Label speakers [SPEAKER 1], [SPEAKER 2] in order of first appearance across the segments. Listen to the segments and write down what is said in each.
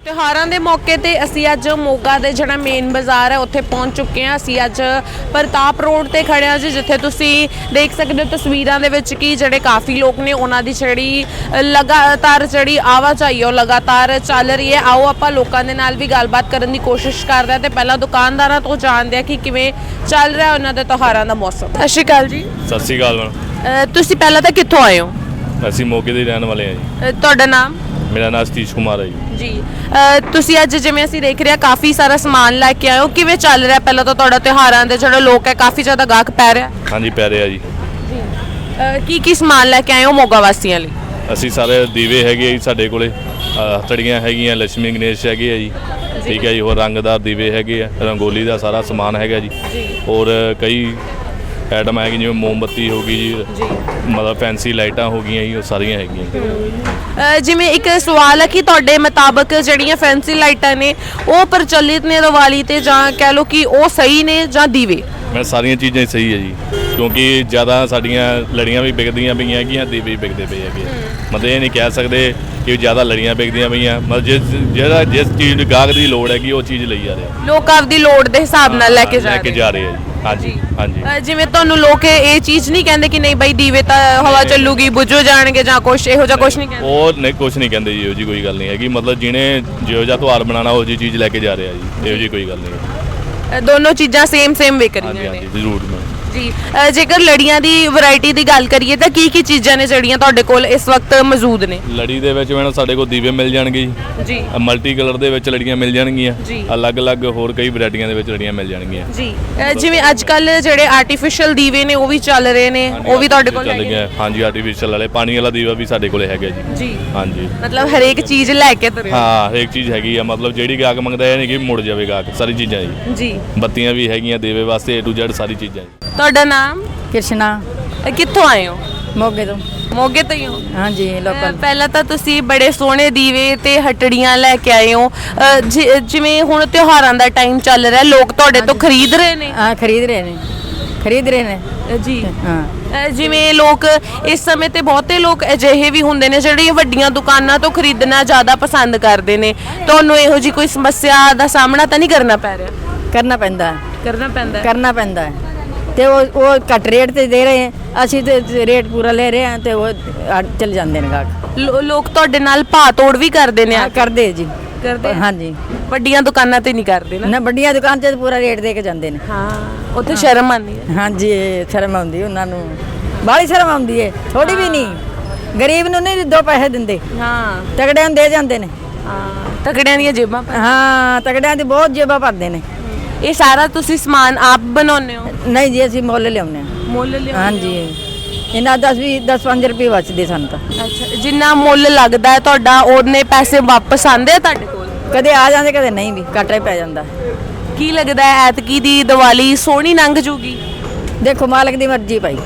[SPEAKER 1] ਤਿਉਹਾਰਾਂ ਦੇ ਮੌਕੇ ਤੇ ਅਸੀਂ ਅੱਜ ਮੋਗਾ ਦੇ ਜਿਹੜਾ ਮੇਨ ਬਾਜ਼ਾਰ ਹੈ ਉੱਥੇ ਪਹੁੰਚ ਚੁੱਕੇ ਹਾਂ। ਅਸੀਂ ਅੱਜ ਪ੍ਰਤਾਪ ਰੋਡ ਤੇ ਖੜੇ ਹਾਂ ਜੀ, ਜਿੱਥੇ ਤੁਸੀਂ ਦੇਖ ਸਕਦੇ ਹੋ ਤਸਵੀਰਾਂ ਦੇ ਵਿੱਚ ਕਿ ਜਿਹੜੇ ਕਾਫੀ ਲੋਕ ਨੇ ਉਹਨਾਂ ਦੀ ਜਿਹੜੀ ਲਗਾਤਾਰ ਜਿਹੜੀ ਆਵਾਜਾਈ ਉਹ ਲਗਾਤਾਰ ਚੱਲ ਰਹੀ ਹੈ। ਆਓ ਆਪਾਂ ਲੋਕਾਂ ਦੇ ਨਾਲ ਵੀ ਗੱਲਬਾਤ ਕਰਨ ਦੀ ਕੋਸ਼ਿਸ਼ ਕਰਦੇ ਹਾਂ ਤੇ ਪਹਿਲਾਂ ਦੁਕਾਨਦਾਰਾਂ ਤੋਂ ਜਾਣਦੇ ਹਾਂ ਕਿ ਕਿਵੇਂ ਚੱਲ ਰਿਹਾ ਉਹਨਾਂ ਦੇ ਤਿਉਹਾਰਾਂ ਦਾ ਮੌਸਮ। ਸਤਿ ਸ਼੍ਰੀ ਅਕਾਲ ਜੀ।
[SPEAKER 2] ਸਤਿ ਸ਼੍ਰੀ ਅਕਾਲ ਮੈਮ।
[SPEAKER 1] ਤੁਸੀਂ ਪਹਿਲਾਂ ਤਾਂ ਕਿੱਥੋਂ ਆਏ ਹੋ?
[SPEAKER 2] ਅਸੀਂ ਮੋਗੇ ਦੇ ਰਹਿਣ ਵਾਲੇ ਹਾਂ ਜੀ।
[SPEAKER 1] ਤੁਹਾਡਾ ਨਾਮ?
[SPEAKER 2] ਮੇਰਾ ਨਾਮ ਸਤੀਸ਼ ਕੁਮਾਰ ਹੈ ਜੀ।
[SPEAKER 1] ਤੁਸੀਂ ਅੱਜ ਜਿਵੇਂ ਅਸੀਂ ਦੇਖ ਰਹੇ ਹਾਂ ਕਾਫੀ ਸਾਰਾ ਸਮਾਨ ਲੈ ਕੇ ਆਏ ਹੋ, ਕਿਵੇਂ ਚੱਲ ਰਿਹਾ? ਪਹਿਲਾਂ ਤਾਂ ਤੁਹਾਡਾ ਤਿਉਹਾਰਾਂ ਦੇ ਜਿਹੜੇ ਲੋਕ ਹੈ ਕਾਫੀ ਜ਼ਿਆਦਾ ਗਾਹਕ ਪੈ ਰਿਹਾ।
[SPEAKER 2] ਹਾਂਜੀ ਪੈ ਰਿਹਾ ਜੀ।
[SPEAKER 1] ਕੀ ਸਮਾਨ ਲੈ ਕੇ ਆਏ ਹੋ ਮੋਗਾ ਵਾਸੀਆਂ ਲਈ?
[SPEAKER 2] ਅਸੀਂ ਸਾਰੇ ਦੀਵੇ ਹੈਗੇ ਆ ਜੀ ਸਾਡੇ ਕੋਲੇ, ਹਥੜੀਆਂ ਹੈਗੀਆਂ, ਲక్ష్ਮੀ ਗਣੇਸ਼ ਹੈਗੇ ਆ ਜੀ। ਠੀਕ ਹੈ ਜੀ। ਹੋਰ ਰੰਗਦਾਰ ਦੀਵੇ ਹੈਗੇ ਆ, ਰੰਗੋਲੀ ਦਾ ਸਾਰਾ ਸਮਾਨ ਹੈਗਾ ਜੀ। ਔਰ ਕਈ ਆਈਟਮ ਹੈਗੀ ਜਿਵੇਂ ਮੋਮਬੱਤੀ ਹੋ ਗਈ ਜੀ, ਮਤਲਬ ਫੈਂਸੀ ਲਾਈਟਾਂ ਹੋ ਗਈਆਂ ਜੀ, ਉਹ ਸਾਰੀਆਂ ਹੈਗੀਆਂ।
[SPEAKER 1] ਜਿਵੇਂ ਇੱਕ ਸਵਾਲ ਹੈ ਕਿ ਤੁਹਾਡੇ ਮੁਤਾਬਕ ਜਿਹੜੀਆਂ ਫੈਂਸੀ ਲਾਈਟਾਂ ਨੇ ਉਹ ਪ੍ਰਚਲਿਤ ਨੇ ਦੀਵਾਲੀ ਤੇ, ਜਾਂ ਕਹਿ ਲਓ ਕਿ ਉਹ ਸਹੀ ਨੇ ਜਾਂ ਦੀਵੇ?
[SPEAKER 2] ਮੈਂ ਸਾਰੀਆਂ ਚੀਜ਼ਾਂ ਹੀ ਸਹੀ ਹੈ ਜੀ, ਕਿਉਂਕਿ ਜ਼ਿਆਦਾ ਸਾਡੀਆਂ ਲੜੀਆਂ ਵੀ ਵਿਕਦੀਆਂ ਪਈਆਂ ਹੈਗੀਆਂ, ਦੀਵੇ ਵੀ ਵਿਕਦੇ ਪਏ ਹੈਗੇ। ਮਤਲਬ ਇਹ ਨਹੀਂ ਕਹਿ ਸਕਦੇ ਕਿ ਜ਼ਿਆਦਾ ਲੜੀਆਂ ਵਿਕਦੀਆਂ ਪਈਆਂ, ਮਤਲਬ ਜਿਸ ਚੀਜ਼ ਦੀ ਗਾਹਕ ਦੀ ਲੋੜ ਹੈਗੀ ਉਹ ਚੀਜ਼ ਲਈ ਜਾ ਰਹੇ
[SPEAKER 1] ਲੋਕ ਆਪਦੀ ਲੋੜ ਦੇ ਹਿਸਾਬ ਨਾਲ ਲੈ ਕੇ
[SPEAKER 2] ਜਾ ਰਹੇ ਆ ਜੀ। ਹਾਂਜੀ ਹਾਂਜੀ।
[SPEAKER 1] ਜਿਵੇਂ ਤੁਹਾਨੂੰ ਲੋਕ ਇਹ ਚੀਜ਼ ਨਹੀਂ ਕਹਿੰਦੇ ਕਿ ਨਹੀਂ ਬਾਈ ਦੀਵੇ ਤਾਂ ਹਵਾ ਚੱਲੂਗੀ, ਬੁੱਝੋ ਜਾਣਗੇ ਜਾਂ ਕੁਛ ਇਹੋ ਜਿਹਾ ਕੁਛ ਨਹੀਂ ਕਹਿੰਦੇ?
[SPEAKER 2] ਉਹ ਨਹੀਂ, ਕੁਛ ਨਹੀਂ ਕਹਿੰਦੇ ਜੀ, ਇਹੋ ਜੀ ਕੋਈ ਗੱਲ ਨਹੀਂ ਹੈਗੀ। ਮਤਲਬ ਜਿਹਨੇ ਜਿਹੋ ਜਿਹਾ ਤਿਉਹਾਰ ਬਣਾਉਣਾ ਉਹ ਜੀ ਚੀਜ਼ ਲੈ ਕੇ ਜਾ ਰਿਹਾ ਜੀ, ਇਹੋ ਜੀ ਕੋਈ ਗੱਲ ਨਹੀਂ।
[SPEAKER 1] ਦੋਨੋਂ ਚੀਜ਼ਾਂ ਸੇਮ ਵਿਕ ਰਹੀਆਂ ਨੇ?
[SPEAKER 2] ਹਾਂਜੀ ਜ਼ਰੂਰ
[SPEAKER 1] ਜੀ। ਜੇਕਰ ਲੜੀਆਂ ਦੀ ਵੈਰਾਈਟੀ ਦੀ ਗੱਲ ਕਰੀਏ ਤਾਂ ਕੀ ਚੀਜ਼ਾਂ ਨੇ ਜਿਹੜੀਆਂ ਤੁਹਾਡੇ ਕੋਲ ਇਸ ਵਕਤ ਮੌਜੂਦ ਨੇ?
[SPEAKER 2] ਲੜੀ ਦੇ ਵਿੱਚ ਮੈਡਮ ਸਾਡੇ ਕੋਲ ਦੀਵੇ ਮਿਲ ਜਾਣਗੇ
[SPEAKER 1] ਜੀ।
[SPEAKER 2] ਮਲਟੀ ਕਲਰ ਦੇ ਵਿੱਚ ਲੜੀਆਂ ਮਿਲ ਜਾਣਗੀਆਂ,
[SPEAKER 1] ਜੀ।
[SPEAKER 2] ਅਲੱਗ-ਅਲੱਗ ਹੋਰ ਕਈ ਵੈਰਾਈਟੀਆਂ ਦੇ ਵਿੱਚ ਲੜੀਆਂ ਮਿਲ ਜਾਣਗੀਆਂ
[SPEAKER 1] ਜੀ। ਜਿਵੇਂ ਅੱਜ ਕੱਲ ਜਿਹੜੇ ਆਰਟੀਫੀਸ਼ੀਅਲ ਦੀਵੇ ਨੇ ਉਹ ਵੀ ਚੱਲ ਰਹੇ ਨੇ, ਉਹ ਵੀ ਤੁਹਾਡੇ ਕੋਲ
[SPEAKER 2] ਹੈਗੇ? ਹਾਂਜੀ ਆਰਟੀਫੀਸ਼ੀਅਲ ਵਾਲੇ, ਪਾਣੀ ਵਾਲਾ ਦੀਵਾ ਵੀ ਸਾਡੇ ਕੋਲੇ ਹੈਗਾ ਜੀ। ਹਾਂਜੀ।
[SPEAKER 1] ਮਤਲਬ ਹਰੇਕ ਚੀਜ਼ ਲੈ ਕੇ ਤੁਰੇ?
[SPEAKER 2] ਹਾਂ ਹਰੇਕ ਚੀਜ਼ ਹੈਗੀ ਆ, ਮਤਲਬ ਜਿਹੜੀ ਗਾਹਕ ਮੰਗਦਾ ਇਹ ਨਹੀਂ ਕਿ ਮੁੜ ਜਾਵੇ ਗਾਹਕ, ਸਾਰੀ ਚੀਜ਼ਾਂ ਜੀ। ਬੱਤੀਆਂ ਵੀ ਹੈਗੀਆਂ ਦੀਵੇ ਵਾਸਤੇ, A to Z ਸਾਰੀ ਚੀਜ਼ਾਂ ਜੀ।
[SPEAKER 1] ਤੁਹਾਡਾ ਨਾਮ?
[SPEAKER 3] कृष्णा।
[SPEAKER 1] ਕਿੱਥੋਂ ਆਏ ਹੋ?
[SPEAKER 3] मोगे तो
[SPEAKER 1] ਮੋਗੇ ਤੋਂ ਹੀ ਹੋ?
[SPEAKER 3] हाँ जी लोकल।
[SPEAKER 1] ਪਹਿਲਾਂ ਤਾਂ ਤੁਸੀਂ ਬੜੇ ਸੋਹਣੇ ਦੀਵੇ ਤੇ ਹਟੜੀਆਂ ਲੈ ਕੇ ਆਏ ਹੋ। ਜਿਵੇਂ ਹੁਣ ਤਿਉਹਾਰਾਂ ਦਾ ਟਾਈਮ ਚੱਲ ਰਿਹਾ, ਲੋਕ ਤੁਹਾਡੇ ਤੋਂ ਖਰੀਦ ਰਹੇ ਨੇ?
[SPEAKER 3] हाँ खरीद रहे ने
[SPEAKER 1] ਜੀ।
[SPEAKER 3] हाँ।
[SPEAKER 1] ਜਿਵੇਂ ਲੋਕ ਇਸ ਸਮੇਂ ਤੇ ਬਹੁਤੇ ਲੋਕ ਅਜਿਹੇ ਵੀ ਹੁੰਦੇ ਨੇ ਜਿਹੜੇ ਵੱਡੀਆਂ ਦੁਕਾਨਾਂ ਤੋਂ ਖਰੀਦਣਾ ਜ਼ਿਆਦਾ ਪਸੰਦ ਕਰਦੇ ਨੇ। ਤੁਹਾਨੂੰ ਇਹੋ ਜੀ ਕੋਈ ਸਮੱਸਿਆ ਦਾ ਸਾਹਮਣਾ ਤਾਂ ਨਹੀਂ ਕਰਨਾ ਪੈ ਰਿਹਾ?
[SPEAKER 3] करना पैंदा है।
[SPEAKER 1] ਕਰਨਾ ਪੈਂਦਾ ਹੈ।
[SPEAKER 3] ਤੇ ਉਹ ਘੱਟ ਰੇਟ ਤੇ ਦੇ ਰਹੇ ਆ, ਅਸੀਂ ਤੇ ਰੇਟ ਪੂਰਾ ਲੈ ਰਹੇ ਆ ਤੇ ਉਹ ਚੱਲ ਜਾਂਦੇ ਨੇ ਗਾਹਕ।
[SPEAKER 1] ਲੋਕ ਤੁਹਾਡੇ ਨਾਲ ਭਾਅ ਤੋੜ ਵੀ ਕਰਦੇ ਨੇ?
[SPEAKER 3] ਕਰਦੇ ਜੀ।
[SPEAKER 1] ਕਰਦੇ?
[SPEAKER 3] ਹਾਂ ਜੀ।
[SPEAKER 1] ਵੱਡੀਆਂ ਦੁਕਾਨਾਂ ਤੇ ਨਹੀਂ ਕਰਦੇ
[SPEAKER 3] ਨਾ ਵੱਡੀਆਂ ਦੁਕਾਨ ਤੇ ਪੂਰਾ ਰੇਟ ਦੇ ਕੇ ਜਾਂਦੇ ਨੇ।
[SPEAKER 1] ਹਾਂ, ਉੱਥੇ ਸ਼ਰਮ ਆਉਂਦੀ ਹੈ।
[SPEAKER 3] ਹਾਂ ਜੀ ਸ਼ਰਮ ਆਉਂਦੀ ਉਹਨਾਂ ਨੂੰ, ਬਾਹਲੀ ਸ਼ਰਮ ਆਉਂਦੀ ਹੈ, ਥੋੜੀ ਵੀ ਨਹੀਂ। ਗਰੀਬ ਨੂੰ ਨਹੀਂ ਦੋ ਪੈਸੇ ਦਿੰਦੇ,
[SPEAKER 1] ਹਾਂ
[SPEAKER 3] ਤਗੜਿਆਂ ਨੂੰ ਦੇ ਜਾਂਦੇ ਨੇ।
[SPEAKER 1] ਹਾਂ, ਤਕੜਿਆਂ ਦੀਆਂ ਜੇਬਾਂ।
[SPEAKER 3] ਹਾਂ ਤਗੜਿਆਂ ਦੀ ਬਹੁਤ ਜੇਬਾਂ ਭਰਦੇ ਨੇ।
[SPEAKER 1] ਇਹ ਸਾਰਾ ਤੁਸੀਂ ਸਮਾਨ ਆਪ ਬਣਾਉਂਦੇ ਹੋ?
[SPEAKER 3] ਨਹੀਂ ਜੀ ਅਸੀਂ ਮੁੱਲ ਲਿਆਉਂਦੇ ਹਾਂ।
[SPEAKER 1] ਮੁੱਲ ਲਿਆਉਂਦੇ?
[SPEAKER 3] ਹਾਂ ਜੀ। ਇਹਨਾਂ 10-5 ਰੁਪਏ ਬਚਦੇ ਸਾਨੂੰ ਤਾਂ।
[SPEAKER 1] ਅੱਛਾ, ਜਿੰਨਾ ਮੁੱਲ ਲੱਗਦਾ ਹੈ ਤੁਹਾਡਾ ਉਹਨੇ ਪੈਸੇ ਵਾਪਸ ਆਉਂਦੇ ਆ ਤੁਹਾਡੇ ਕੋਲ?
[SPEAKER 3] ਕਦੇ ਆ ਜਾਂਦੇ ਕਦੇ ਨਹੀਂ ਵੀ, ਘਾਟਾ ਹੀ ਪੈ ਜਾਂਦਾ।
[SPEAKER 1] ਕੀ ਲੱਗਦਾ ਹੈ ਐਤਕੀ ਦੀ ਦੀਵਾਲੀ ਸੋਹਣੀ ਲੰਘ ਜੂਗੀ?
[SPEAKER 3] ਦੇਖੋ ਮਾਲਕ ਦੀ ਮਰਜ਼ੀ ਭਾਈ,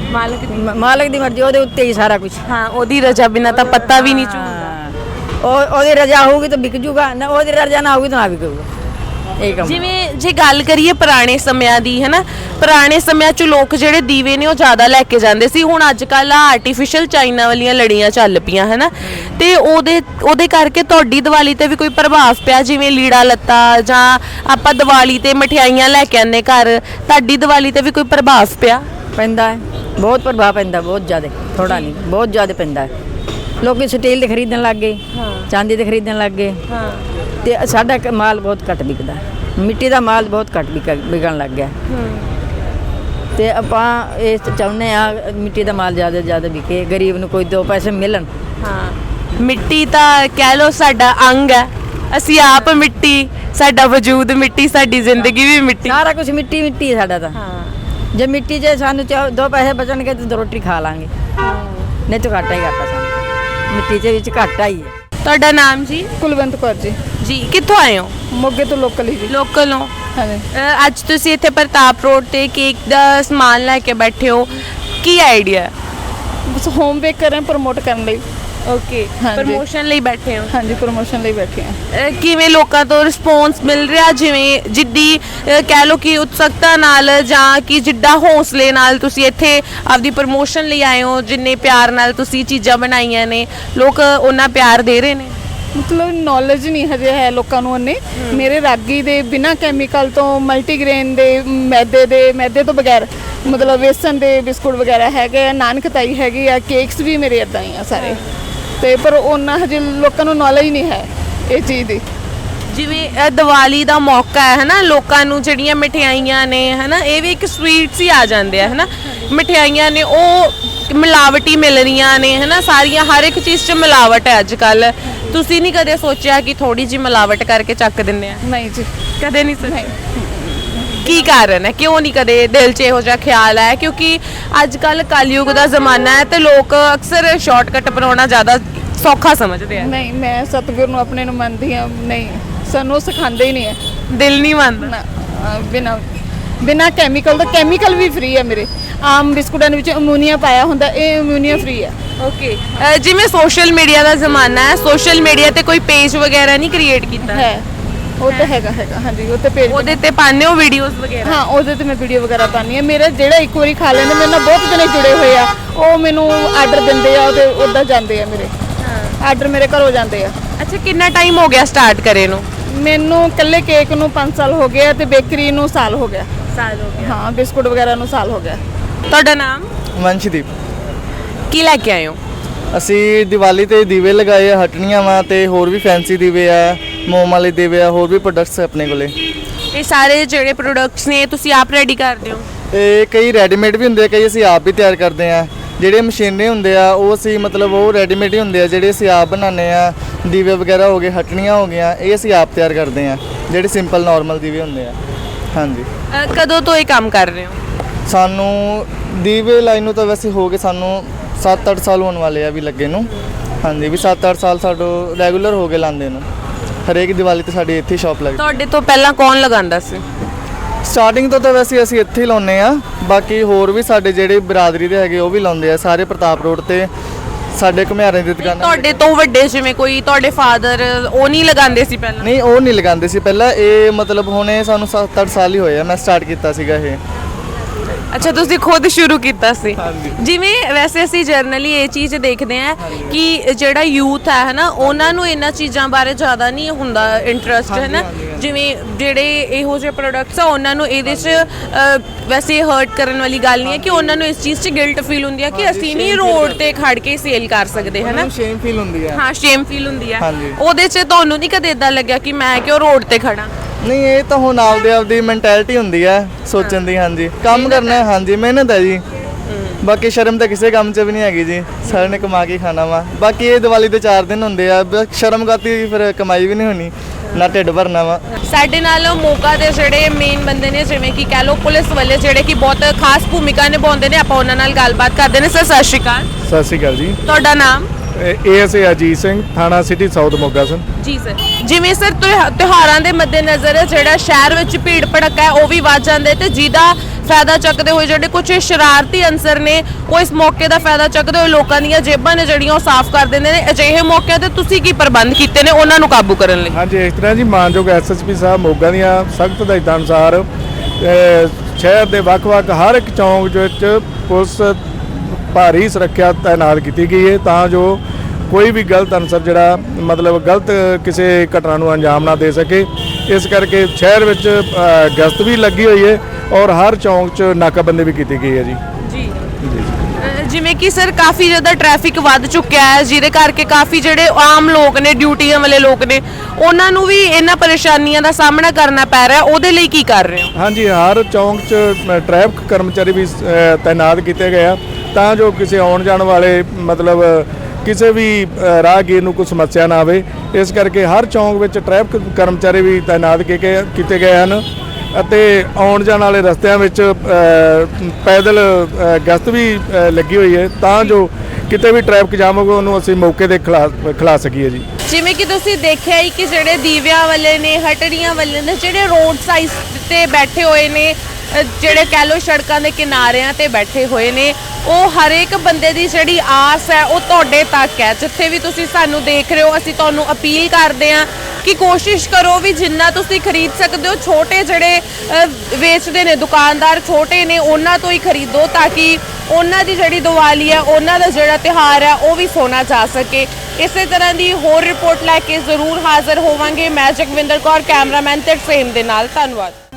[SPEAKER 3] ਮਾਲਕ ਦੀ ਮਰਜ਼ੀ, ਉਹਦੇ ਉੱਤੇ ਹੀ ਸਾਰਾ ਕੁਝ।
[SPEAKER 1] ਹਾਂ, ਉਹਦੀ ਰਜ਼ਾ ਬਿਨਾਂ ਤਾਂ ਪੱਤਾ ਵੀ ਨਹੀਂ ਝੂਲਦਾ।
[SPEAKER 3] ਉਹਦੀ ਰਜ਼ਾ ਹੋਊਗੀ ਤਾਂ ਵਿਕ ਜੂਗਾ, ਨਾ ਉਹਦੀ ਰਜ਼ਾ ਨਾ ਹੋਊਗੀ ਤਾਂ ਨਾ ਵਿਕੂਗਾ। ਇਹ ਕੰਮ।
[SPEAKER 1] ਜਿਵੇਂ ਜੇ ਗੱਲ ਕਰੀਏ ਪੁਰਾਣੇ ਸਮਿਆਂ ਦੀ, ਹੈ ਨਾ, ਪੁਰਾਣੇ ਸਮਿਆਂ 'ਚ ਲੋਕ ਜਿਹੜੇ ਦੀਵੇ ਨੇ ਉਹ ਜ਼ਿਆਦਾ ਲੈ ਕੇ ਜਾਂਦੇ ਸੀ। ਹੁਣ ਅੱਜ ਕੱਲ੍ਹ ਆਰਟੀਫੀਸ਼ੀਅਲ ਚਾਈਨਾ ਵਾਲੀਆਂ ਲੜੀਆਂ ਚੱਲ ਪਈਆਂ, ਹੈ ਨਾ, ਤੇ ਉਹਦੇ ਕਰਕੇ ਤੁਹਾਡੀ ਦੀਵਾਲੀ ਤੇ ਵੀ ਕੋਈ ਪ੍ਰਭਾਵ ਪਿਆ? ਜਿਵੇਂ ਲੀੜਾ ਲੱਤਾ ਜਾਂ ਆਪਾਂ ਦੀਵਾਲੀ ਤੇ ਮਠਿਆਈਆਂ ਲੈ ਕੇ ਆਉਂਦੇ ਘਰ, ਤੁਹਾਡੀ ਦੀਵਾਲੀ ਤੇ ਵੀ ਕੋਈ ਪ੍ਰਭਾਵ ਪਿਆ?
[SPEAKER 3] ਪੈਂਦਾ ਹੈ, ਬਹੁਤ ਪ੍ਰਭਾਵ ਪੈਂਦਾ, ਬਹੁਤ ਜ਼ਿਆਦਾ, ਥੋੜਾ ਨਹੀਂ ਬਹੁਤ ਜ਼ਿਆਦਾ ਪੈਂਦਾ ਹੈ। ਲੋਕੀ ਸਟੀਲ ਦੇ ਖਰੀਦਣ ਲੱਗ ਗਏ, ਚਾਂਦੀ ਦੇ ਖਰੀਦਣ ਲੱਗ ਗਏ, ਤੇ ਸਾਡਾ ਮਾਲ ਬਹੁਤ ਘੱਟ ਵਿਕਦਾ। ਮਿੱਟੀ ਦਾ ਮਾਲ ਬਹੁਤ ਘੱਟ ਵਿਕਣ ਲੱਗ ਗਿਆ। ਤੇ ਆਪਾਂ ਇਹ ਚਾਹੁੰਦੇ ਆ ਮਿੱਟੀ ਦਾ ਮਾਲ ਜ਼ਿਆਦਾ ਵਿਕੇ, ਗਰੀਬ ਨੂੰ ਕੋਈ 2 ਪੈਸੇ ਮਿਲਣ।
[SPEAKER 1] ਹਾਂ, ਮਿੱਟੀ ਤਾਂ ਕਹਿ ਲਓ ਸਾਡਾ ਅੰਗ ਹੈ, ਅਸੀਂ ਆਪ ਮਿੱਟੀ, ਸਾਡਾ ਵਜੂਦ ਮਿੱਟੀ, ਸਾਡੀ ਜ਼ਿੰਦਗੀ ਵੀ ਮਿੱਟੀ,
[SPEAKER 3] ਸਾਰਾ ਕੁਝ ਮਿੱਟੀ ਹੈ ਸਾਡਾ ਤਾਂ। ਜੇ ਮਿੱਟੀ 'ਚ ਸਾਨੂੰ 2 ਪੈਸੇ ਬਚਣਗੇ ਤਾਂ 2 ਰੋਟੀ ਖਾ ਲਾਂਗੇ, ਨਹੀਂ ਤਾਂ ਘਾਟਾ ਹੀ ਘਾਟਾ ਸਾਨੂੰ, ਮਿੱਟੀ 'ਚ ਵਿੱਚ ਘਾਟਾ ਹੀ ਹੈ।
[SPEAKER 1] ਤੁਹਾਡਾ ਨਾਮ ਜੀ?
[SPEAKER 4] ਕੁਲਵੰਤ ਕੌਰ ਜੀ।
[SPEAKER 1] ਜੀ, ਕਿੱਥੋਂ ਆਏ ਹੋ?
[SPEAKER 4] ਮੋਗੇ ਤੋਂ ਲੋਕਲ ਹੀ ਜੀ।
[SPEAKER 1] ਲੋਕਲ ਹੋ?
[SPEAKER 4] ਹਾਂਜੀ।
[SPEAKER 1] ਅੱਜ ਤੁਸੀਂ ਇੱਥੇ ਪ੍ਰਤਾਪ ਰੋਡ ਤੇ ਕੇਕ ਦਾ ਸਮਾਨ ਲੈ ਕੇ ਬੈਠੇ ਹੋ, ਕੀ ਆਈਡੀਆ ਹੈ?
[SPEAKER 4] ਬਸ ਹੋਮ ਬੇਕ ਕਰ ਰਹੇ ਪ੍ਰਮੋਟ ਕਰਨ ਲਈ।
[SPEAKER 1] ਓਕੇ, ਪ੍ਰਮੋਸ਼ਨ ਲਈ ਬੈਠੇ ਹੋ?
[SPEAKER 4] ਹਾਂਜੀ, ਪ੍ਰਮੋਸ਼ਨ ਲਈ ਬੈਠੇ ਹਾਂ।
[SPEAKER 1] ਕਿਵੇਂ ਲੋਕਾਂ ਤੋਂ ਰਿਸਪੌਂਸ ਮਿਲ ਰਿਹਾ? ਜਿਵੇਂ ਜਿੱਡੀ ਕਹਿ ਲਓ ਕਿ ਉਤਸੁਕਤਾ ਨਾਲ ਜਾਂ ਕਿ ਜਿੱਡਾ ਹੌਸਲੇ ਨਾਲ ਤੁਸੀਂ ਇੱਥੇ ਆਪਦੀ ਪ੍ਰਮੋਸ਼ਨ ਲਈ ਆਏ ਹੋ, ਜਿੰਨੇ ਪਿਆਰ ਨਾਲ ਤੁਸੀਂ ਚੀਜ਼ਾਂ ਬਣਾਈਆਂ ਨੇ, ਲੋਕ ਉਹਨਾਂ ਪਿਆਰ ਦੇ ਰਹੇ ਨੇ?
[SPEAKER 4] ਮਤਲਬ ਨੌਲੇਜ ਨਹੀਂ ਹਜੇ ਹੈ ਲੋਕਾਂ ਨੂੰ ਉਹਨੇ। ਮੇਰੇ ਰਾਗੀ ਦੇ ਬਿਨਾਂ ਕੈਮੀਕਲ ਤੋਂ, ਮਲਟੀਗ੍ਰੇਨ ਦੇ, ਮੈਦੇ ਤੋਂ ਬਗੈਰ, ਮਤਲਬ ਵੇਸਣ ਦੇ ਬਿਸਕੁਟ ਵਗੈਰਾ ਹੈਗੇ ਆ, ਨਾਨ ਖਟਾਈ ਹੈਗੀ ਆ, ਕੇਕਸ ਵੀ ਮੇਰੇ ਇਦਾਂ ਹੀ ਆ ਸਾਰੇ। ਤੇ ਪਰ ਉਹਨਾਂ ਹਜੇ ਲੋਕਾਂ ਨੂੰ ਨੌਲੇਜ ਨਹੀਂ ਹੈ ਇਹ ਚੀਜ਼ ਦੀ।
[SPEAKER 1] ਜਿਵੇਂ ਦੀਵਾਲੀ ਦਾ ਮੌਕਾ ਹੈ ਹਨਾ, ਲੋਕਾਂ ਨੂੰ ਜਿਹੜੀਆਂ ਮਠਿਆਈਆਂ ਨੇ ਹਨਾ, ਇਹ ਵੀ ਇੱਕ ਸਵੀਟਸ ਹੀ ਆ ਜਾਂਦੇ ਆ ਹਨਾ। ਮਠਿਆਈਆਂ ਨੇ ਉਹ ਮਿਲਾਵਟੀ ਮਿਲ ਰਹੀਆਂ ਨੇ ਹਨਾ, ਸਾਰੀਆਂ ਹਰ ਇੱਕ ਚੀਜ਼ 'ਚ ਮਿਲਾਵਟ ਹੈ ਅੱਜ ਕੱਲ। ਤੁਸੀਂ ਨਹੀਂ ਕਦੇ ਸੋਚਿਆ ਕਿ ਥੋੜੀ ਜਿਹੀ ਮਿਲਾਵਟ ਕਰਕੇ ਚੱਕ ਦਿੰਦੇ ਆ?
[SPEAKER 4] ਨਹੀਂ ਜੀ,
[SPEAKER 1] ਕਦੇ ਨਹੀਂ ਸੋਚਿਆ? ਕੀ ਕਾਰਨ ਹੈ, ਕਿਉਂ ਨਹੀਂ ਕਦੇ ਦਿਲ 'ਚ ਇਹੋ ਜਿਹਾ ਖਿਆਲ ਆਇਆ? ਕਿਉਂਕਿ ਅੱਜ ਕੱਲ ਕਲਯੁਗ ਦਾ ਜ਼ਮਾਨਾ ਹੈ ਤੇ ਲੋਕ ਅਕਸਰ ਸ਼ਾਰਟਕਟ ਬਣਾਉਣਾ ਜ਼ਿਆਦਾ ਸੌਖਾ ਸਮਝਦੇ ਆ।
[SPEAKER 4] ਨਹੀਂ, ਮੈਂ ਸਤਿਗੁਰ ਨੂੰ ਆਪਣੇ ਨੂੰ ਮੰਨਦੀ ਹਾਂ। ਨਹੀਂ, ਸਾਨੂੰ ਸਿਖਾਉਂਦੇ ਹੀ ਨਹੀਂ ਹੈ।
[SPEAKER 1] ਦਿਲ ਨਹੀਂ ਮੰਨਦਾ?
[SPEAKER 4] ਨਾ, ਬਿਨਾਂ ਕੈਮੀਕਲ ਦਾ। ਕੈਮੀਕਲ ਵੀ ਫ੍ਰੀ ਹੈ ਮੇਰੇ। ਆਮ ਬਿਸਕੁਟਾਂ ਦੇ ਵਿੱਚ ਅਮੋਨੀਆ ਪਾਇਆ ਹੁੰਦਾ, ਇਹ ਅਮੋਨੀਆ ਫ੍ਰੀ ਹੈ।
[SPEAKER 1] ਓਕੇ, ਜਿਵੇਂ ਸੋਸ਼ਲ ਮੀਡੀਆ ਦਾ ਜ਼ਮਾਨਾ ਹੈ, ਸੋਸ਼ਲ ਮੀਡੀਆ ਤੇ ਕੋਈ ਪੇਜ ਵਗੈਰਾ ਨਹੀਂ ਕ੍ਰੀਏਟ ਕੀਤਾ?
[SPEAKER 4] ਹੈ, ਉਹ ਤਾਂ ਹੈਗਾ ਹਾਂਜੀ। ਉਹ ਤੇ ਪੇਜ,
[SPEAKER 1] ਉਹਦੇ ਤੇ ਪਾਉਂਦੇ ਹੋ ਵੀਡੀਓਜ਼ ਵਗੈਰਾ?
[SPEAKER 4] ਹਾਂ, ਉਹਦੇ ਤੇ ਮੈਂ ਵੀਡੀਓ ਵਗੈਰਾ ਪਾਉਂਦੀ ਹਾਂ। ਮੇਰਾ ਜਿਹੜਾ ਇੱਕ ਵਾਰੀ ਖਾ ਲੈਂਦੇ, ਮੇਰੇ ਨਾਲ ਬਹੁਤ ਜਣੇ ਜੁੜੇ ਹੋਏ ਆ, ਉਹ ਮੈਨੂੰ ਆਰਡਰ ਦਿੰਦੇ ਆ, ਉਹਦੇ ਉੱਦਾਂ ਜਾਂਦੇ ਆ ਮੇਰੇ ਆਰਡਰ, ਮੇਰੇ ਘਰੋਂ ਜਾਂਦੇ ਆ।
[SPEAKER 1] ਅੱਛਾ, ਕਿੰਨਾ ਟਾਈਮ ਹੋ ਗਿਆ ਸਟਾਰਟ ਕਰੇ ਨੂੰ?
[SPEAKER 4] ਮੈਨੂੰ ਇਕੱਲੇ ਕੇਕ ਨੂੰ 5 ਸਾਲ ਹੋ ਗਏ ਤੇ ਬੇਕਰੀ ਨੂੰ ਸਾਲ ਹੋ ਗਿਆ।
[SPEAKER 1] ਸਾਲ ਹੋ ਗਿਆ।
[SPEAKER 4] ਹਾਂ, ਬਿਸਕੁਟ ਵਗੈਰਾ ਨੂੰ ਸਾਲ ਹੋ ਗਿਆ।
[SPEAKER 1] ਤੁਹਾਡਾ ਨਾਮ?
[SPEAKER 5] ਵੰਸ਼ਦੀਪ।
[SPEAKER 1] ਕੀ ਲੈ ਕੇ ਆਏ ਹੋ?
[SPEAKER 5] ਅਸੀਂ ਦੀਵਾਲੀ ਤੇ ਦੀਵੇ ਲਗਾਏ ਆ, ਹਟਣੀਆਂ ਵਾ ਤੇ ਹੋਰ ਵੀ ਫੈਂਸੀ ਦੀਵੇ ਆ, ਮੋਮ ਵਾਲੇ ਦੀਵੇ ਆ, ਹੋਰ ਵੀ ਪ੍ਰੋਡਕਟਸ ਆਪਣੇ ਕੋਲੇ।
[SPEAKER 1] ਇਹ ਸਾਰੇ ਜਿਹੜੇ ਪ੍ਰੋਡਕਟਸ ਨੇ ਤੁਸੀਂ ਆਪ ਰੈਡੀ ਕਰਦੇ ਹੋ?
[SPEAKER 5] ਤੇ ਕਈ ਰੈਡੀਮੇਡ ਵੀ ਹੁੰਦੇ ਆ, ਕਈ ਅਸੀਂ ਆਪ ਵੀ ਤਿਆਰ ਕਰਦੇ ਆ। ਜਿਹੜੇ ਮਸ਼ੀਨਰੀ ਹੁੰਦੇ ਆ ਉਹ ਅਸੀਂ ਮਤਲਬ ਉਹ ਰੈਡੀਮੇਡ ਹੀ ਹੁੰਦੇ ਆ, ਜਿਹੜੇ ਅਸੀਂ ਆਪ ਬਣਾਉਂਦੇ ਆ। ਦੀਵੇ ਵਗੈਰਾ ਹੋ ਗਏ, ਹਟਣੀਆਂ ਹੋ ਗਈਆਂ, ਇਹ ਅਸੀਂ ਆਪ ਤਿਆਰ ਕਰਦੇ ਆ, ਜਿਹੜੇ ਸਿੰਪਲ ਨਾਰਮਲ ਦੀਵੇ ਹੁੰਦੇ ਆ। ਹਾਂਜੀ।
[SPEAKER 1] ਕਦੋਂ ਤੋਂ ਇਹ ਕੰਮ ਕਰ ਰਹੇ ਹੋ?
[SPEAKER 5] ਸਾਨੂੰ ਦੀਵੇ ਲਾਈਨ ਨੂੰ ਤਾਂ ਵੈਸੇ ਹੋ ਗਏ ਸਾਨੂੰ 7-8 ਸਾਲ ਹੋਣ ਵਾਲੇ ਆ ਵੀ ਲੱਗੇ ਨੂੰ। ਹਾਂਜੀ, ਵੀ 7-8 ਸਾਲ ਸਾਡੋ ਰੈਗੂਲਰ ਹੋ ਗਏ ਲਾਉਂਦੇ ਨੂੰ। ਹਰੇਕ ਦੀਵਾਲੀ ਤੇ ਸਾਡੀ ਇੱਥੇ ਸ਼ਾਪ ਲੱਗਦੀ।
[SPEAKER 1] ਤੁਹਾਡੇ ਤੋਂ ਪਹਿਲਾਂ ਕੌਣ ਲਗਾਉਂਦਾ ਸੀ?
[SPEAKER 5] ਸਟਾਰਟਿੰਗ ਤੋਂ ਤਾਂ ਵੈਸੇ ਅਸੀਂ ਇੱਥੇ ਹੀ ਲਾਉਂਦੇ ਆ, ਬਾਕੀ ਹੋਰ ਵੀ ਸਾਡੇ ਜਿਹੜੇ ਬਰਾਦਰੀ ਦੇ ਹੈਗੇ ਉਹ ਵੀ ਲਾਉਂਦੇ ਆ, ਸਾਰੇ ਪ੍ਰਤਾਪ ਰੋਡ ਤੇ ਸਾਡੇ ਘੁਮਿਆਰਾਂ ਦੀ ਦੁਕਾਨਾਂ।
[SPEAKER 1] ਤੁਹਾਡੇ ਤੋਂ ਵੱਡੇ ਜਿਵੇਂ ਕੋਈ ਤੁਹਾਡੇ ਫਾਦਰ, ਉਹ ਨਹੀਂ ਲਗਾਉਂਦੇ ਸੀ ਪਹਿਲਾਂ?
[SPEAKER 5] ਨਹੀਂ, ਉਹ ਨਹੀਂ ਲਗਾਉਂਦੇ ਸੀ ਪਹਿਲਾਂ। ਇਹ ਮਤਲਬ ਹੁਣੇ ਸਾਨੂੰ 7-8 ਸਾਲ ਹੀ ਹੋਏ ਆ, ਮੈਂ ਸਟਾਰਟ ਕੀਤਾ ਸੀਗਾ ਇਹ।
[SPEAKER 1] ਅੱਛਾ, ਤੁਸੀਂ ਖੁਦ ਸ਼ੁਰੂ ਕੀਤਾ ਸੀ?
[SPEAKER 5] ਹਾਂਜੀ।
[SPEAKER 1] ਜਿਵੇਂ ਵੈਸੇ ਅਸੀਂ ਜਰਨਲੀ ਇਹ ਚੀਜ਼ ਦੇਖਦੇ ਆ ਕਿ ਜਿਹੜਾ ਯੂਥ ਹੈ ਹਨਾ, ਉਹਨਾਂ ਨੂੰ ਇਹਨਾਂ ਚੀਜ਼ਾਂ ਬਾਰੇ ਜ਼ਿਆਦਾ ਨਹੀਂ ਹੁੰਦਾ ਇੰਟਰਸਟ ਹੈ ਨਾ। ਜਿਵੇਂ ਜਿਹੜੇ ਇਹੋ ਜਿਹੇ ਪ੍ਰੋਡਕਟਸ ਆ, ਉਹਨਾਂ ਨੂੰ ਇਹਦੇ 'ਚ ਵੈਸੇ ਹਰਟ ਕਰਨ ਵਾਲੀ ਗੱਲ ਨਹੀਂ ਹੈ ਕਿ ਉਹਨਾਂ ਨੂੰ ਇਸ ਚੀਜ਼ 'ਚ ਗਿਲਟ ਫੀਲ ਹੁੰਦੀ ਹੈ ਕਿ ਅਸੀਂ ਨਹੀਂ ਰੋਡ ਤੇ ਖੜ ਕੇ ਸੇਲ ਕਰ ਸਕਦੇ ਹੈ ਨਾ।
[SPEAKER 5] ਸ਼ੇਮ ਫੀਲ ਹੁੰਦੀ ਹੈ।
[SPEAKER 1] ਹਾਂ, ਸ਼ੇਮ ਫੀਲ ਹੁੰਦੀ ਹੈ।
[SPEAKER 5] ਹਾਂਜੀ।
[SPEAKER 1] ਉਹਦੇ 'ਚ ਤੁਹਾਨੂੰ ਨਹੀਂ ਕਦੇ ਇਦਾਂ ਲੱਗਿਆ ਕਿ ਮੈਂ ਕਿਉਂ ਰੋਡ ਤੇ ਖੜਾ?
[SPEAKER 5] ਨਹੀਂ, ਇਹ ਤਾਂ ਹੁਣ ਆਪਦੀ ਮੈਂਟੈਲਿਟੀ ਹੁੰਦੀ ਹੈ ਸੋਚਣ ਦੀ। ਹਾਂਜੀ, ਕੰਮ ਕਰਨਾ ਹੈ। ਹਾਂਜੀ, ਮਿਹਨਤ ਹੈ ਜੀ। ਬਾਕੀ ਸ਼ਰਮ ਤਾਂ ਕਿਸੇ ਕੰਮ 'ਚ ਵੀ ਨਹੀਂ ਹੈਗੀ ਜੀ, ਸਾਰਿਆਂ ਨੇ ਕਮਾ ਕੇ ਖਾਣਾ ਵਾ। ਬਾਕੀ ਇਹ ਦੀਵਾਲੀ ਦੇ 4 ਦਿਨ ਹੁੰਦੇ ਆ, ਸ਼ਰਮ ਕਰਤੀ ਫਿਰ ਕਮਾਈ ਵੀ ਨਹੀਂ ਹੋਣੀ, ਨਾ ਢਿੱਡ ਭਰਨਾ ਵਾ।
[SPEAKER 1] ਸਾਡੇ ਨਾਲ ਮੋਗਾ ਦੇ ਜਿਹੜੇ ਮੇਨ ਬੰਦੇ ਨੇ, ਜਿਵੇਂ ਕਿ ਕਹਿ ਲਓ ਪੁਲਿਸ ਵਾਲੇ, ਜਿਹੜੇ ਕਿ ਬਹੁਤ ਖਾਸ ਭੂਮਿਕਾ ਨਿਭਾਉਂਦੇ ਨੇ, ਆਪਾਂ ਉਹਨਾਂ ਨਾਲ ਗੱਲਬਾਤ ਕਰਦੇ ਨੇ। ਸਰ, ਸਤਿ ਸ਼੍ਰੀ ਅਕਾਲ।
[SPEAKER 6] ਸਤਿ ਸ਼੍ਰੀ ਅਕਾਲ ਜੀ।
[SPEAKER 1] ਤੁਹਾਡਾ ਨਾਮ?
[SPEAKER 6] ਏਐਸਏ ਅਜੀਤ ਸਿੰਘ, ਥਾਣਾ ਸਿਟੀ ਸਾਊਥ ਮੋਗਾ ਸਰ।
[SPEAKER 1] ਜੀ ਸਰ, ਜਿਵੇਂ ਸਰ ਤਿਉਹਾਰਾਂ ਦੇ ਮੱਦੇਨਜ਼ਰ ਜਿਹੜਾ ਸ਼ਹਿਰ ਵਿੱਚ ਭੀੜ ਭੜੱਕਾ ਹੈ ਉਹ ਵੀ ਵੱਧ ਜਾਂਦੇ, ਤੇ ਜਿਹਦਾ ਫਾਇਦਾ ਚੱਕਦੇ ਹੋਏ ਜਿਹੜੇ ਕੁਝ ਸ਼ਰਾਰਤੀ ਅਨਸਰ ਨੇ, ਉਹ ਇਸ ਮੌਕੇ ਦਾ ਫਾਇਦਾ ਚੱਕਦੇ ਹੋਏ ਲੋਕਾਂ ਦੀਆਂ ਜੇਬਾਂ ਨੇ ਜਿਹੜੀਆਂ ਉਹ ਸਾਫ਼ ਕਰ ਦਿੰਦੇ ਨੇ। ਅਜਿਹੇ ਮੌਕਿਆਂ ਤੇ ਤੁਸੀਂ ਕੀ ਪ੍ਰਬੰਧ ਕੀਤੇ ਨੇ ਉਹਨਾਂ ਨੂੰ ਕਾਬੂ ਕਰਨ ਲਈ?
[SPEAKER 6] ਹਾਂਜੀ, ਇਸ ਤਰ੍ਹਾਂ ਜੀ, ਮਾਨਯੋਗ ਐਸਐਸਪੀ ਸਾਹਿਬ ਮੋਗਾ ਦੀਆਂ ਸਖਤ ਹਦਾਇਤਾਂ ਅਨੁਸਾਰ ਸ਼ਹਿਰ ਦੇ ਵੱਖ-ਵੱਖ ਹਰ ਇੱਕ ਚੌਂਕ ਵਿੱਚ ਪੁਲਿਸ ਭਾਰੀ ਸੁਰੱਖਿਆ ਤਾਇਨਾਤ ਕੀਤੀ ਗਈ ਹੈ, ਤਾਂ ਜੋ ਕੋਈ ਵੀ ਗਲਤ ਅਨਸਰ ਜਿਹੜਾ ਮਤਲਬ ਗਲਤ ਕਿਸੇ ਘਟਨਾ ਨੂੰ ਅੰਜਾਮ ਨਾ ਦੇ ਸਕੇ। ਇਸ ਕਰਕੇ ਸ਼ਹਿਰ ਵਿੱਚ ਗਸ਼ਤ ਵੀ ਲੱਗੀ ਹੋਈ ਹੈ ਔਰ ਹਰ ਚੌਂਕ 'ਚ ਨਾਕਾਬੰਦੀ ਵੀ ਕੀਤੀ ਗਈ ਹੈ ਜੀ।
[SPEAKER 1] ਜੀ, ਜਿਵੇਂ ਕਿ ਸਰ ਕਾਫੀ ਜ਼ਿਆਦਾ ਟ੍ਰੈਫਿਕ ਵੱਧ ਚੁੱਕਿਆ ਹੈ, ਜਿਹਦੇ ਕਰਕੇ ਕਾਫੀ ਜਿਹੜੇ ਆਮ ਲੋਕ ਨੇ, ਡਿਊਟੀਆਂ ਵਾਲੇ ਲੋਕ ਨੇ, ਉਹਨਾਂ ਨੂੰ ਵੀ ਇਹਨਾਂ ਪਰੇਸ਼ਾਨੀਆਂ ਦਾ ਸਾਹਮਣਾ ਕਰਨਾ ਪੈ ਰਿਹਾ। ਉਹਦੇ ਲਈ ਕੀ ਕਰ ਰਹੇ ਹੋ?
[SPEAKER 6] ਹਾਂਜੀ, ਹਰ ਚੌਂਕ 'ਚ ਟ੍ਰੈਫਿਕ ਕਰਮਚਾਰੀ ਵੀ ਤਾਇਨਾਤ ਕੀਤੇ ਗਏ ਆ, ਤਾਂ ਜੋ ਕਿਸੇ ਆਉਣ ਜਾਣ ਵਾਲੇ ਮਤਲਬ ਕਿਸੇ ਵੀ ਰਾਹਗੀਰ ਨੂੰ ਕੋਈ ਸਮੱਸਿਆ ਨਾ ਆਵੇ। ਇਸ ਕਰਕੇ ਹਰ ਚੌਂਕ ਵਿੱਚ ਟ੍ਰੈਫਿਕ ਕਰਮਚਾਰੀ ਵੀ ਤਾਇਨਾਤ ਕੀਤੇ ਗਏ ਹਨ ਅਤੇ ਆਉਣ ਜਾਣ ਵਾਲੇ ਰਸਤਿਆਂ ਵਿੱਚ ਪੈਦਲ ਗਸ਼ਤ ਵੀ ਲੱਗੀ ਹੋਈ ਹੈ, ਤਾਂ ਜੋ ਕਿਤੇ ਵੀ ਟ੍ਰੈਫਿਕ ਜਾਮ ਹੋਵੇ ਉਹਨੂੰ ਅਸੀਂ ਮੌਕੇ ਤੇ ਖਿਲਾ ਸਕੀਏ ਜੀ।
[SPEAKER 1] ਜਿਵੇਂ ਕਿ ਤੁਸੀਂ ਦੇਖਿਆ ਹੀ ਕਿ ਜਿਹੜੇ ਦੀਵਿਆਂ ਵਾਲੇ ਨੇ, ਹਟੜੀਆਂ ਵਾਲੇ ਨੇ, ਜਿਹੜੇ ਰੋਡ ਸਾਈਡ ਤੇ ਬੈਠੇ ਹੋਏ ਨੇ, ਜਿਹੜੇ ਕਹਿ ਲਓ ਸੜਕਾਂ ਦੇ ਕਿਨਾਰਿਆਂ ਤੇ ਬੈਠੇ ਹੋਏ ਨੇ, ਉਹ ਹਰ ਇੱਕ ਬੰਦੇ ਦੀ ਜਿਹੜੀ ਆਸ ਹੈ ਉਹ ਤੁਹਾਡੇ ਤੱਕ ਹੈ। ਜਿੱਥੇ ਵੀ ਤੁਸੀਂ ਸਾਨੂੰ ਦੇਖ ਰਹੇ ਹੋ, ਅਸੀਂ ਤੁਹਾਨੂੰ ਅਪੀਲ ਕਰਦੇ ਹਾਂ ਕਿ ਕੋਸ਼ਿਸ਼ ਕਰੋ ਵੀ ਜਿੰਨਾ ਤੁਸੀਂ ਖਰੀਦ ਸਕਦੇ ਹੋ, ਛੋਟੇ ਜਿਹੜੇ ਵੇਚਦੇ ਨੇ ਦੁਕਾਨਦਾਰ ਛੋਟੇ ਨੇ ਉਹਨਾਂ ਤੋਂ ਹੀ ਖਰੀਦੋ ਤਾਂ ਕਿ ਉਹਨਾਂ ਦੀ ਜਿਹੜੀ ਦੀਵਾਲੀ ਹੈ, ਉਹਨਾਂ ਦਾ ਜਿਹੜਾ ਤਿਉਹਾਰ ਹੈ ਉਹ ਵੀ ਸੋਨਾ ਜਾ ਸਕੇ। ਇਸੇ ਤਰ੍ਹਾਂ ਦੀ ਹੋਰ ਰਿਪੋਰਟ ਲੈ ਕੇ ਜ਼ਰੂਰ ਹਾਜ਼ਰ ਹੋਵਾਂਗੇ। ਮੈਂ ਜਗਵਿੰਦਰ ਕੌਰ, ਕੈਮਰਾਮੈਨ ਤੇ ਸੇਮ ਦੇ ਨਾਲ। ਧੰਨਵਾਦ।